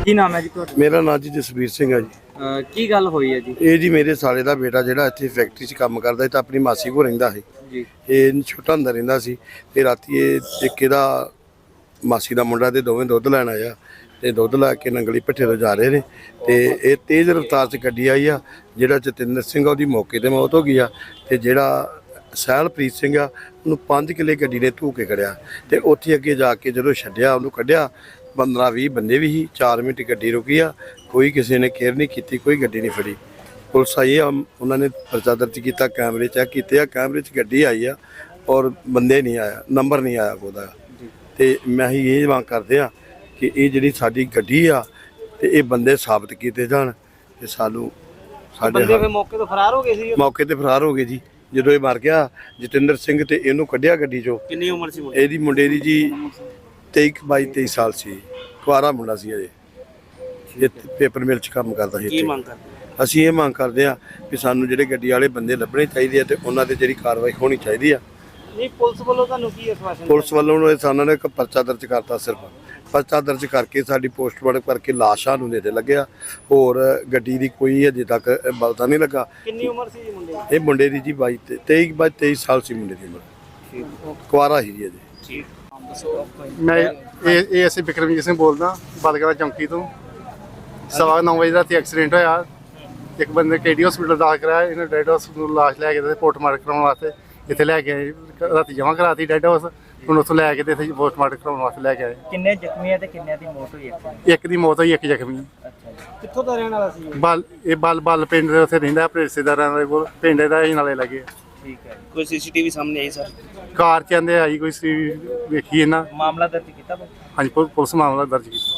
ਕੀ ਨਾਮ ਹੈ ਜੀ ਤੁਹਾਡਾ? ਮੇਰਾ ਨਾਂ ਜੀ ਜਸਵੀਰ ਸਿੰਘ ਹੈ ਜੀ। ਕੀ ਗੱਲ ਹੋਈ ਹੈ ਜੀ? ਇਹ ਜੀ ਮੇਰੇ ਸਾਲੇ ਦਾ ਬੇਟਾ ਜਿਹੜਾ ਇੱਥੇ ਫੈਕਟਰੀ 'ਚ ਕੰਮ ਕਰਦਾ ਸੀ ਤਾਂ ਆਪਣੀ ਮਾਸੀ ਕੋਲ ਰਹਿੰਦਾ ਸੀ ਜੀ। ਇਹ ਛੋਟਾ ਹੁੰਦਾ ਰਹਿੰਦਾ ਸੀ ਤੇ ਰਾਤੀ ਇਹ ਇੱਕ ਇਹਦਾ ਮਾਸੀ ਦਾ ਮੁੰਡਾ ਤੇ ਦੋਵੇਂ ਦੁੱਧ ਲੈਣ ਆਇਆ ਤੇ ਦੁੱਧ ਲੈ ਕੇ ਨੰਗਲੀ ਭੱਠੇ ਤੋਂ ਜਾ ਰਹੇ ਨੇ ਤੇ ਇਹ ਤੇਜ਼ ਰਫ਼ਤਾਰ 'ਚ ਗੱਡੀ ਆਈ ਆ। ਜਿਹੜਾ ਜਤਿੰਦਰ ਸਿੰਘ ਉਹਦੀ ਮੌਕੇ ਤੇ ਮੌਤ ਹੋ ਗਈ ਆ ਤੇ ਜਿਹੜਾ ਸਹਿਲਪ੍ਰੀਤ ਸਿੰਘ ਆ ਉਹਨੂੰ 5 ਕਿੱਲੇ ਗੱਡੀ ਨੇ ਧੂ ਕੇ ਖੜਿਆ ਤੇ ਉੱਥੇ ਅੱਗੇ ਜਾ ਕੇ ਜਦੋਂ ਛੱਡਿਆ ਉਹਨੂੰ ਕੱਢਿਆ 15-20 ਬੰਦੇ ਵੀ ਸੀ। 4 ਮਿੰਟ ਗੱਡੀ ਰੁਕੀ ਆ, ਕੋਈ ਕਿਸੇ ਨੇ ਕੇਅਰ ਨਹੀਂ ਕੀਤੀ, ਕੋਈ ਗੱਡੀ ਨਹੀਂ ਫੜੀ। ਪੁਲਿਸ ਆਈ ਆ, ਉਹਨਾਂ ਨੇ ਪਰਚਾ ਦਰਜ ਕੀਤਾ, ਕੈਮਰੇ ਚੈੱਕ ਕੀਤੇ ਆ, ਕੈਮਰੇ 'ਚ ਗੱਡੀ ਆਈ ਆ ਔਰ ਬੰਦੇ ਨਹੀਂ ਆਇਆ, ਨੰਬਰ ਨਹੀਂ ਆਇਆ ਉਹਦਾ। ਤੇ ਮੈਂ ਹੀ ਇਹ ਮੰਗ ਕਰਦੇ ਆ ਕਿ ਇਹ ਜਿਹੜੀ ਸਾਡੀ ਗੱਡੀ ਆ ਤੇ ਇਹ ਬੰਦੇ ਸਾਬਤ ਕੀਤੇ ਜਾਣ ਤੇ ਸਾਨੂੰ ਸਾਡੇ ਬੰਦੇ ਮੌਕੇ ਤੋਂ ਫਰਾਰ ਹੋ ਗਏ ਸੀ? ਮੌਕੇ ਤੇ ਫਰਾਰ ਹੋ ਗਏ ਜੀ। ਜਦੋਂ ਇਹ ਮਰ ਗਿਆ ਜਤਿੰਦਰ ਸਿੰਘ ਤੇ ਇਹਨੂੰ ਕੱਢਿਆ ਗੱਡੀ 'ਚੋਂ। ਕਿੰਨੀ ਉਮਰ ਸੀ ਇਹਦੀ ਮੁੰਡੇ ਦੀ ਜੀ 22-23 ਸਾਲ ਸੀ, ਕੁਆਰਾ ਮੁੰਡਾ ਸੀ ਅਜੇ। ਇਹ ਪੇਪਰ ਮਿਲ 'ਚ ਕੰਮ ਕਰਦਾ ਸੀ। ਕੀ ਮੰਗ ਕਰਦੇ? ਅਸੀਂ ਇਹ ਮੰਗ ਕਰਦੇ ਆ ਕਿ ਸਾਨੂੰ ਜਿਹੜੇ ਗੱਡੀ ਵਾਲੇ ਬੰਦੇ ਲੱਭਣੇ ਚਾਹੀਦੇ ਆ ਤੇ ਉਹਨਾਂ ਤੇ ਜਿਹੜੀ ਕਾਰਵਾਈ ਹੋਣੀ ਚਾਹੀਦੀ ਆ। ਨਹੀਂ, ਪੁਲਿਸ ਵੱਲੋਂ ਤੁਹਾਨੂੰ ਕੀ ਆਸ਼ਵਾਸਨ? ਪੁਲਿਸ ਵੱਲੋਂ ਸਾਨੂੰ ਨੇ ਇੱਕ ਪਰਚਾ ਦਰਜ ਕਰਤਾ, ਸਿਰਫ ਪਰਚਾ ਦਰਜ ਕਰਕੇ ਸਾਡੀ ਪੋਸਟਮਾਰਟਮ ਕਰਕੇ ਲਾਸ਼ਾਂ ਨੂੰ ਦੇ ਲੱਗਿਆ। ਹੋਰ ਗੱਡੀ ਦੀ ਕੋਈ ਅਜੇ ਤੱਕ ਪਤਾ ਨਹੀਂ ਲੱਗਾ। ਕਿੰਨੀ ਉਮਰ ਸੀ ਜੀ ਮੁੰਡੇ ਦੀ? ਇਹ ਮੁੰਡੇ ਦੀ ਜੀ 23 ਸਾਲ ਸੀ ਮੁੰਡੇ ਦੀ ਉਮਰ, ਕੁਆਰਾ ਸੀ ਜੀ ਅਜੇ। ਠੀਕ। ਮੈਂ ਇਹ ਅਸੀਂ ਬਿਕਰਮਜੀਤ ਸਿੰਘ ਬੋਲਦਾ ਬਲਗੜਾ ਚੌਂਕੀ ਤੋਂ। 9:15 ਵਜੇ ਰਾਤੀ ਐਕਸੀਡੈਂਟ ਹੋਇਆ। ਇੱਕ ਬੰਦੇ KD ਹਸਪੀਟਲ ਦਾਖਲ ਕਰਾਇਆ, ਇਹਨੇ ਡੈਡ ਹਾਊਸ ਨੂੰ ਲਾਸ਼ ਲੈ ਕੇ ਤੇ ਪੋਸਟਮਾਰਟਮ ਕਰਾਉਣ ਵਾਸਤੇ ਇੱਥੇ ਲੈ ਕੇ ਆਏ। ਰਾਤੀ ਜਮ੍ਹਾਂ ਕਰਾਤੀ ਡੈਡ ਹਾਊਸ, ਹੁਣ ਉੱਥੋਂ ਲੈ ਕੇ ਤੇ ਇੱਥੇ ਪੋਸਟਮਾਰਟਮ ਕਰਾਉਣ ਵਾਸਤੇ ਲੈ ਕੇ ਆਏ। ਕਿੰਨੇ ਜ਼ਖਮੀ ਆ ਤੇ ਕਿੰਨਿਆਂ ਦੀ ਮੌਤ ਹੋਈ? ਇੱਕ ਦੀ ਮੌਤ ਹੋਈ, ਇੱਕ ਜ਼ਖਮੀ। ਅੱਛਾ ਜੀ। ਕਿੱਥੋਂ ਦਾ ਰਹਿਣ ਵਾਲਾ ਸੀ? ਬਲ ਪਿੰਡ ਦੇ ਉੱਥੇ ਰਹਿੰਦਾ, ਆਪਣੇ ਰਿਸ਼ਤੇਦਾਰਾਂ ਦੇ ਕੋਲ। ਪਿੰਡ ਦਾ ਹੀ ਨਾਲੇ ਲੱਗੇ। ਠੀਕ ਹੈ। ਕੋਈ CCTV ਸਾਹਮਣੇ ਆਈ ਸਰ? ਕਾਰ ਚ ਆਂਦੇ ਆਈ ਕੋਈ ਸੀ, ਵੇਖੀ ਇਹਨਾਂ। ਮਾਮਲਾ ਦਰਜ ਕੀਤਾ? ਹਾਂਜੀ, ਪੁਲਿਸ ਮਾਮਲਾ ਦਰਜ ਕੀਤਾ।